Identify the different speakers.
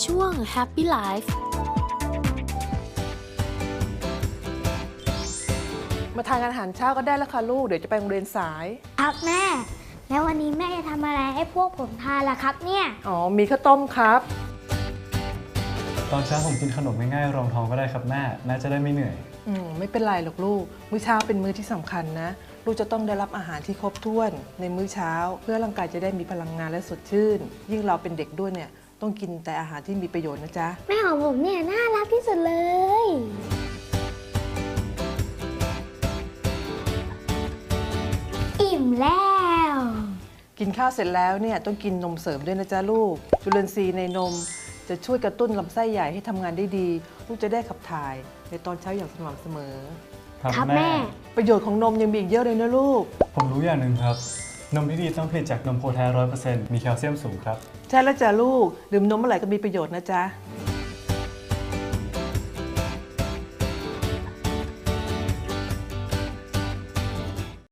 Speaker 1: ช่วง Happy Life
Speaker 2: มาทานอาหารเช้าก็ได้แล้วค่ะลูกเดี๋ยวจะไปโรงเรียนสาย
Speaker 3: ครับแม่ แล้ววันนี้แม่จะทำอะไรให้พวกผมทานล่ะครับเนี่ย
Speaker 2: อ๋อมีข้าวต้มครับ
Speaker 4: ตอนเช้าผมกินขนมง่ายๆรองท้องก็ได้ครับแม่จะได้ไม่เหนื่อย
Speaker 2: ไม่เป็นไรหรอกลูกมื้อเช้าเป็นมื้อที่สำคัญนะลูกจะต้องได้รับอาหารที่ครบถ้วนในมื้อเช้าเพื่อร่างกายจะได้มีพลังงานและสดชื่น ยิ่งเราเป็นเด็กด้วยเนี่ยต้องกินแต่อาหารที่มีประโยชน์นะจ๊ะ
Speaker 3: แม่ของผมเนี่ยน่ารักที่สุดเลย อิ่มแล้ว
Speaker 2: กินข้าวเสร็จแล้วเนี่ยต้องกินนมเสริมด้วยนะจ๊ะลูกจุลินทรีย์ในนมจะช่วยกระตุ้นลำไส้ใหญ่ให้ทำงานได้ดีลูกจะได้ขับถ่ายในตอนเช้าอย่างสม่ำเสมอ
Speaker 3: ครับแม่
Speaker 2: ประโยชน์ของนมยังมีอีกเยอะเลยนะลูก
Speaker 4: ผมรู้อย่างหนึ่งครับ นมที่ดีต้องผลิตจากนมโคแท้100%มีแคลเซียมสูงครับ
Speaker 2: ใช่แล้วจ้ะลูกดื่มนมเมื่อไหร่ก็มีประโยชน์นะจ๊ะ